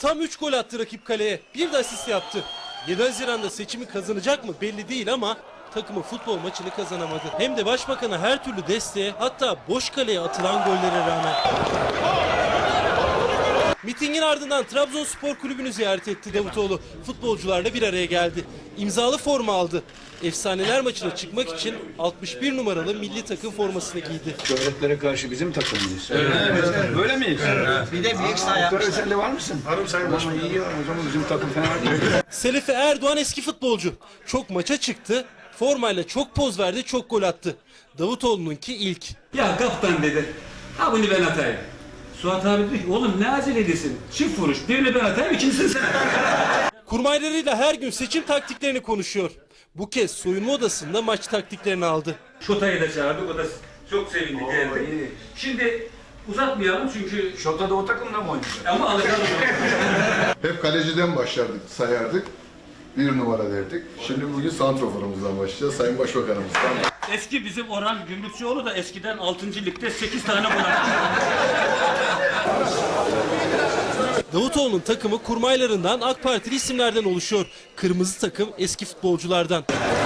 Tam 3 gol attı rakip kaleye. Bir de asist yaptı. 7 Haziran'da seçimi kazanacak mı belli değil ama takımı futbol maçını kazanamadı. Hem de başbakana her türlü desteğe, hatta boş kaleye atılan gollere rağmen. Mitingin ardından Trabzonspor Kulübü'nü ziyaret etti Davutoğlu. Futbolcularla bir araya geldi. İmzalı forma aldı. Efsaneler maçına çıkmak için 61 numaralı milli takım formasını giydi. Şöhretlere karşı bizim takımımız. Evet. Böyle miyiz? Evet. Bir de büyük saha yapmışsın. Sen de var mısın? Varım Sayın Başkanım. İyi ya, o zaman bizim takım fena değil. Selife Erdoğan eski futbolcu. Çok maça çıktı. Formayla çok poz verdi, çok gol attı. Davutoğlu'nunki ilk. Ya kaptan dedi. Ha bunu ben atayım. Suat abi dedi ki oğlum ne acele edesin? Çift vuruş. Birini ben atayım, ikincisini sen. Kurmaylarıyla her gün seçim taktiklerini konuşuyor. Bu kez soyunma odasında maç taktiklerini aldı. Şota'yı da çağırdık. O da çok sevindi, geldi. Şimdi uzatmayalım çünkü... Şota da o takımda mı oynuyor? Ama alacağım. Hep kaleciden başlardık, sayardık. Bir numara derdik. Şimdi bugün santroforumuzdan başlayacağız. Sayın Başbakanımızdan. Eski bizim Orhan Gümrükçüoğlu da eskiden 6. ligde 8 tane gol attı. Davutoğlu'nun takımı kurmaylarından AK Partili isimlerden oluşuyor. Kırmızı takım eski futbolculardan.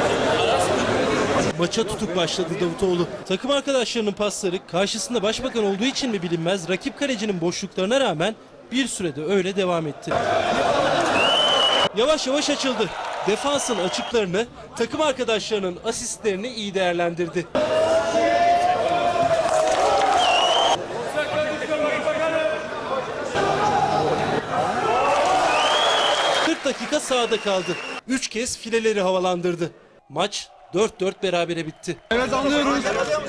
Maça tutuk başladı Davutoğlu. Takım arkadaşlarının pasları karşısında başbakan olduğu için mi bilinmez, rakip kalecinin boşluklarına rağmen bir sürede öyle devam etti. Yavaş yavaş açıldı. Defansın açıklarını, takım arkadaşlarının asistlerini iyi değerlendirdi. Dakika sahada kaldı. 3 kez fileleri havalandırdı. Maç 4-4 berabere bitti. Evet, anlıyoruz.